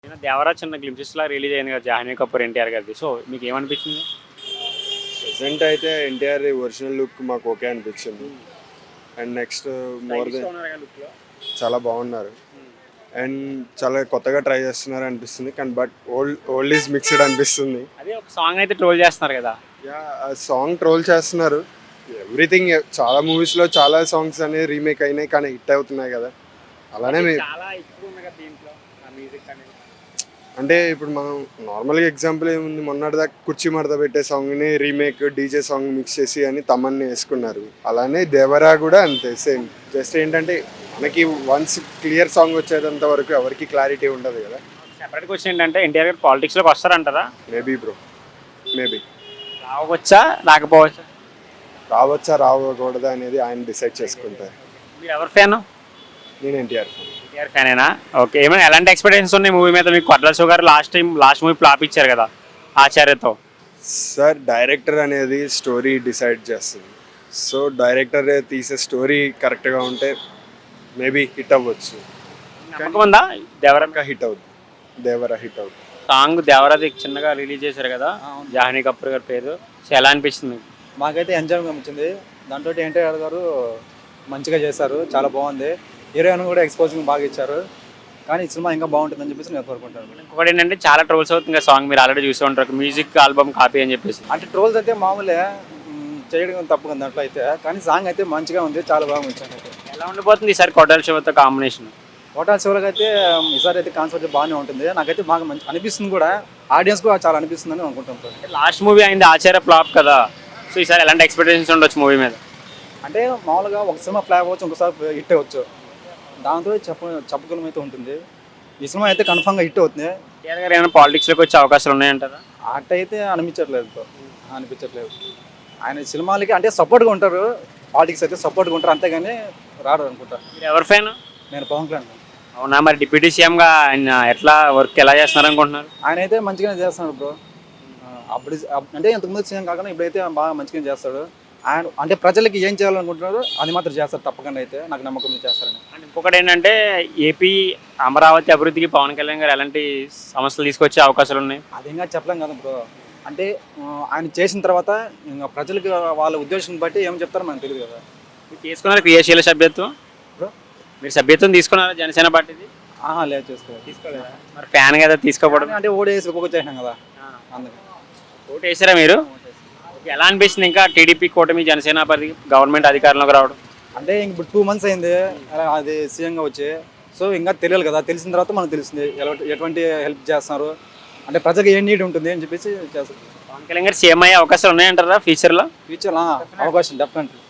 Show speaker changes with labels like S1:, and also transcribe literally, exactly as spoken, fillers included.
S1: నిన్న 'దేవరా' చిన్న గ్లింప్సెస్‌లా రిలీజ్ అయింది కదా! 'జాహ్నవి కపూర్', 'ఎన్టీఆర్' గారిది. సో, మీకేమనిపించింది?
S2: ప్రెజెంట్ అయితే ఎన్టీఆర్ ఒరిజినల్ లుక్ మాకు ఓకే అనిపించింది. అండ్ నెక్స్ట్ మోర్ దెన్
S1: స్టైలిష్‌గా ఉన్నారుగా లుక్‌లో.
S2: చాలా బాగున్నారు.
S1: హ్మ్.
S2: అండ్ చాలా కొత్తగా ట్రై చేస్తున్నారు అనిపిస్తుంది. కానీ but old old is mixed అనిపిస్తుంది.
S1: అదే ఒక సాంగ్ అయితే ట్రోల్ చేస్తున్నారు కదా!
S2: యా ఆ సాంగ్ ట్రోల్ చేస్తున్నారు. ఎవ్రీథింగ్ చాలా మూవీస్లో చాలా సాంగ్స్ అనేవి రీమేక్ అయినాయి కానీ హిట్ అవుతున్నాయి కదా. అలానే
S1: అది
S2: మీ
S1: చాలా ఎక్కువ ఉంది కదా దీంట్లో. ఆ మ్యూజిక్ అనేది.
S2: అంటే ఇప్పుడు మనం నార్మల్గా ఎగ్జాంపుల్ ఏముంది, మొన్నటిదాకా కుర్చీ మడత పెట్టే సాంగ్ని రీమేక్ డీజే సాంగ్ మిక్స్ చేసి అని తమన్ని వేసుకున్నారు. అలానే దేవరా కూడా అంతే సేమ్. జస్ట్ ఏంటంటే మనకి వన్స్ క్లియర్ సాంగ్ వచ్చేంత వరకు ఎవరికి క్లారిటీ ఉండదు కదా.
S1: సెపరేట్ క్వశ్చన్ ఏంటంటే 'ఎన్టీఆర్' గారు పాలిటిక్స్‌లోకి వస్తారంటారా?
S2: మేబీ బ్రో, మేబీ
S1: రావచ్చా? రాకపోవచ్చా?
S2: రావచ్చా రావకూడదా అనేది ఆయన డిసైడ్ చేసుకుంటారు.
S1: మీరు ఎవరి ఫ్యాను?
S2: నేను ఎన్టీఆర్ ఫ్యాన్.
S1: 'ఎన్టీఆర్' ఫ్యానేనా? ఓకే. ఏమైనా ఎలాంటి ఎక్స్‌పెక్టేషన్స్ ఉన్నాయి మూవీ మీద మీకు? కొట్ల శివ గారు last time last movie flop ఇచ్చారు కదా! 'ఆచార్య'తో.
S2: సార్ డైరెక్టర్ అనేది స్టోరీ డిసైడ్ చేస్తుంది. సో డైరెక్టర్ తీసే స్టోరీ కరెక్ట్గా ఉంటే మేబీ హిట్ అవ్వచ్చు.
S1: నమ్మకం ఉందా 'దేవరా'?
S2: ఇంకా హిట్ అవుతుంది. దేవరా హిట్ అవుతుంది.
S1: సాంగ్ 'దేవరా'ది చిన్నగా రిలీజ్ చేశారు కదా! 'జాహ్నవి కపూర్' గారి పేరు. సో, ఎలా అనిపించింది మీకు?
S3: మాకైతే ఎంజాయ్ అనిపించింది. దాంట్లో ఎన్టీఆర్ గారు మంచిగా చేశారు, చాలా బాగుంది. హీరోయిన్ కూడా ఎక్స్పోజింగ్ బాగా ఇచ్చారు. కానీ ఈ సినిమా ఇంకా బాగుంటుందని చెప్పేసి నేను కోరుకుంటాను.
S1: ఇంకొకటి ఏంటంటే చాలా ట్రోల్స్ అవుతుంది కదా సాంగ్, మీరు ఆల్రెడీ చూసి ఉంటారు. మ్యూజిక్ ఆల్బమ్ కాపీ అని చెప్పేసి.
S3: అంటే ట్రోల్స్ అయితే మామూలే, మ్, చేయడం తప్పు కదా దాంట్లో అయితే. కానీ సాంగ్ అయితే మంచిగా ఉంది, చాలా బాగా ఉంచాను అయితే.
S1: ఎలా ఉండిపోతుంది ఈసారి కొట్టాల శివతో కాంబినేషన్?
S3: హోటల్ శివలకు అయితే ఈసారి అయితే కాన్సెప్ట్ బాగానే ఉంటుంది. నాకైతే బాగా మంచి అనిపిస్తుంది కూడా, ఆడియన్స్ కూడా చాలా అనిపిస్తుందని అనుకుంటుంటాను.
S1: లాస్ట్ మూవీ అయింది 'ఆచార్య' ఫ్లాప్ కదా! సో ఈసారి ఎలాంటి ఎక్స్పెక్టేషన్స్ ఉండొచ్చు మూవీ మీద?
S3: అంటే మామూలుగా ఒక సినిమా ఫ్లాప్ అవ్వచ్చు, ఇంకోసారి హిట్ అవ్వచ్చు. దాంతో చెప్ప చెప్పగలం అయితే ఉంటుంది. ఈ సినిమా అయితే కన్ఫామ్గా హిట్ అవుతుంది.
S1: ఎన్టీఆర్ గారు ఏమైనా పాలిటిక్స్లోకి వచ్చే అవకాశాలు ఉన్నాయంటారా?
S3: ఆట అయితే అనిపించట్లేదు బ్రో, అనిపించట్లేదు. ఆయన సినిమాలకి అంటే సపోర్ట్గా ఉంటారు, పాలిటిక్స్ అయితే సపోర్ట్గా ఉంటారు, అంతేగాని రాడు అనుకుంటా.
S1: మీరు ఎవరి ఫ్యాన్?
S3: నేను పవన్ కళ్యాణ్.
S1: అవునా? మరి డిప్యూటీ సీఎంగా ఆయన ఎట్లా వర్క్ ఎలా చేస్తున్నారు అనుకుంటున్నారు?
S3: ఆయన అయితే మంచిగానే చేస్తున్నాడు బ్రో. అప్పుడు అప్- అంటే ఇంతకుముందు సీఎం కాకుండా ఇప్పుడైతే బాగా మంచిగానే చేస్తాడు. ఆయన అంటే ప్రజలకి ఏం చేయాలనుకుంటున్నారో అది మాత్రం చేస్తారు తప్పకుండా, అయితే నాకు నమ్మకం ఉంది చేస్తారని.
S1: అండ్ ఇంకొకటి ఏంటంటే ఏపీ అమరావతి అభివృద్ధికి పవన్ కళ్యాణ్ గారు ఎలాంటి సమస్యలు తీసుకొచ్చే అవకాశాలు ఉన్నాయి?
S3: అది ఇంకా చెప్పలేం కదా బ్రో. అంటే ఆ, ఆయన చేసిన తర్వాత ఇంకా ప్రజలకి వాళ్ళ ఉద్దేశం బట్టి ఏం చెప్తారో మనకు తెలియదు కదా
S1: మీరు తీసుకున్నారు క్రియాశీల సభ్యత్వం?
S3: బ్రో.
S1: మీరు సభ్యత్వం తీసుకున్నారా జనసేన పార్టీది?
S3: ఆహా లేదు, చేసుకోవాలి.
S1: తీసుకోలేదా? మరి ఫ్యాన్ కదా తీసుకోకూడదు.
S3: అంటే ఓడేసి ఒక్కొక్క కదా అందుకని.
S1: ఓటు వేసారా మీరు? ఓకే. ఎలా అనిపిస్తుంది ఇంకా టీడీపీ కూటమి జనసేన పార్టీ గవర్నమెంట్ అధికారంలోకి రావడం?
S3: అంటే ఇంక ఇప్పుడు టూ మంత్స్ అయింది అలా అది సీఎంగా వచ్చి. సో ఇంకా తెలియాలి కదా, తెలిసిన తర్వాత మనకు తెలుస్తుంది ఎలా ఎటువంటి హెల్ప్ చేస్తున్నారు, అంటే ప్రజలకు ఏం నీడ్ ఉంటుంది అని చెప్పేసి చేస్తారు.
S1: పవన్ కళ్యాణ్ గారు సీఎం అయ్యే అవకాశాలు ఉన్నాయంటారా ఫ్యూచర్లో?
S3: ఫ్యూచర్ అవకాశం డెఫినెట్లీ.